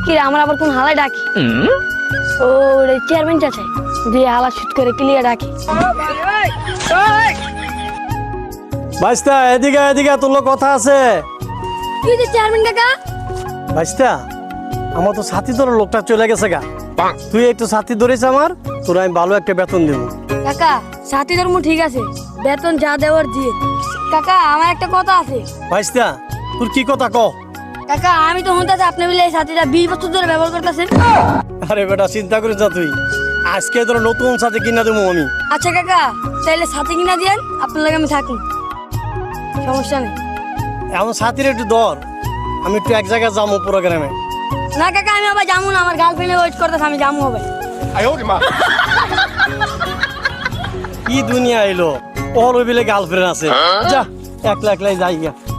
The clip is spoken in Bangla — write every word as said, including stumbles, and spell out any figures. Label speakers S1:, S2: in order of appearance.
S1: কি রে আমার আবার কোন হালাই ডাকি ও রে চেয়ারম্যান চাচা দিয়ে হালা শুট করে ক্লিয়ার ডাকি
S2: ভাইস্তা এদিকে এদিকে তোর লোক কথা আছে।
S1: কি যে চেয়ারম্যান কাকা
S2: ভাইস্তা আমার তো সাথী ধরে লোকটা চলে গেছে গা, তুই একটু সাথী ধরেছ আমার, তোর আমি ভালো একটা বেতন দেবো।
S1: কাকা সাথী ধর্ম ঠিক আছে, বেতন যা দেওয়ার দিয়ে। কাকা আমার একটা কথা আছে।
S2: ভাইস্তা তোর কি কথা ক?
S1: কাকা আমি তো শুনতেছি আপনি বলে এই সাথীটা বিশ বছর ধরে ব্যবহার করতেছেন।
S2: আরে বেটা চিন্তা করিস না তুই, আজকে তোর নতুন সাথে কিনা দেবো আমি।
S1: আচ্ছা কাকা তাইলে সাথী কিনা দিয়েন, আপনার লাগে আমি থাকি, সমস্যা নেই।
S2: এমন সাথীর একটু দর, আমি একটু এক জায়গায় যাবো প্রোগ্রামে।
S1: না কাকা আমি আবার যাবো না, আমার গার্লফ্রেন্ডে ওয়েট করতেছে, আমি যাবো হবে।
S2: কি দুনিয়া এলো, ওর বিলে গার্লফ্রেন্ড আছে, যা একলা একলাই যাই গা।